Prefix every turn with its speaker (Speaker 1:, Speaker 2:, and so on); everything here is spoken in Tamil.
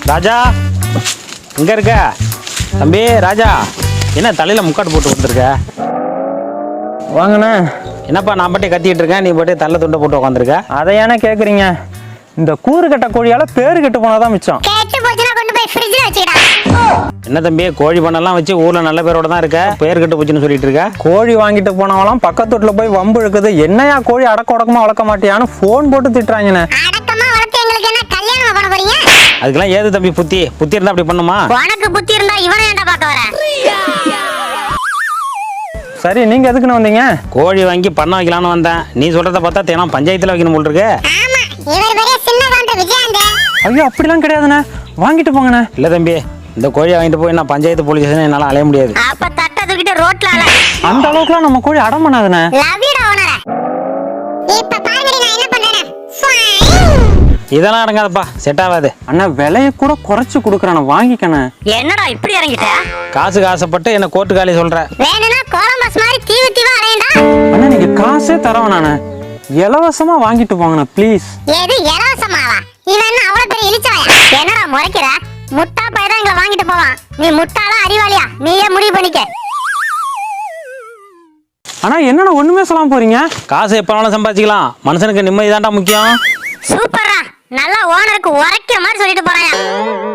Speaker 1: ராஜா எங்க இருக்க தம்பி? ராஜா என்ன தலையில முக்காடு போட்டு வந்துருக்க?
Speaker 2: வாங்கண்ணே.
Speaker 1: என்னப்பா நான் பாட்டே கத்திக்கிட்டு இருக்கேன், நீ பாட்டே தள்ள துண்டை போட்டு உட்காந்துருக்க?
Speaker 2: அதை ஏன்னா கேட்குறீங்க? இந்த கூறு கட்ட கோழியால பேரு கெட்டு போனாதான் மிச்சம்.
Speaker 1: என்ன தம்பி கோழி பண்ணெல்லாம் வச்சு ஊர்ல நல்ல பேரோட தான் இருக்க, பேர் கெட்டு போச்சுன்னு சொல்லிட்டு இருக்க?
Speaker 2: கோழி வாங்கிட்டு போனவெல்லாம் பக்கத்து வீட்டுல போய் வம்பு இழுக்குது. என்னையா கோழி அடக்க உடக்கமா வளர்க்க மாட்டியான்னு போன் போட்டு திட்டுறாங்கண்ணே.
Speaker 1: அதுக்கெல்லாம் ஏது தம்பி புத்தி இருந்தா அப்படி பண்ணுமா?
Speaker 3: உனக்கு புத்தி இருந்தா இவனை ஏன்டா பார்க்க வர?
Speaker 2: சரி நீங்க எதுக்குன்னு வந்தீங்க?
Speaker 1: கோழி வாங்கி பண்ண வைக்கலான்னு வந்தேன். நீ சொல்றத பார்த்தா தேனா பஞ்சாயத்துல வைக்கணும் போல் இருக்கு.
Speaker 2: ஐயோ அப்படிலாம் கிடையாதுண்ணே, வாங்கிட்டு போங்கண்ணே.
Speaker 1: இல்ல தம்பி இந்த கோழியை வாங்கிட்டு போய் நான் பஞ்சாயத்து போலீஸ் ஸ்டேஷன் என்னால அலைய முடியாது.
Speaker 3: அப்ப தட்ட தூக்கிட்டு ரோட்ல அல.
Speaker 2: அந்த அளவுக்குலாம் நம்ம கோழி அடம் பண்ணாதுண்ணே.
Speaker 3: லவ்யூடா ஓனர. இப்ப பாருங்கடி நான் என்ன பண்றேன்.
Speaker 1: இதெல்லாம் அடங்காதப்பா, செட் ஆகாது.
Speaker 2: அண்ணா விலைய கூட குறைச்சு கொடுக்குறானே, வாங்கிக்கண்ணே.
Speaker 3: என்னடா இப்படி இறங்கிட்ட?
Speaker 1: காசுக்கு ஆசைப்பட்டு என்ன கோர்ட்டு காலி சொல்ற?
Speaker 3: வேணும்னா கோலம்பஸ் மாதிரி தீவா அலையண்டா.
Speaker 2: அண்ணா நீங்க காசே தரவேண்ணே, இலவசமா வாங்கிட்டு போங்கண்ணே ப்ளீஸ்.
Speaker 3: எது இலவசமாவா? இவன் அவ்வளவு பெரிய இழிச்சவாயா? என்னடா முறைக்கிற? முட்டா பையதான் எங்களை வாங்கிட்டு போவான். நீ முட்டாளா அறிவாளியா? நீயே முடிவு பண்ணிக்க.
Speaker 2: ஆனா என்னன்னா ஒண்ணுமே சொல்லாம போறீங்க?
Speaker 1: காசு எப்ப வேணாலும் சம்பாதிக்கலாம், மனுஷனுக்கு நிம்மதி தான்டா முக்கியம்.
Speaker 3: சூப்பரா, நல்லா ஓனருக்கு உரைக்க மாதிரி சொல்லிட்டு போறாயா?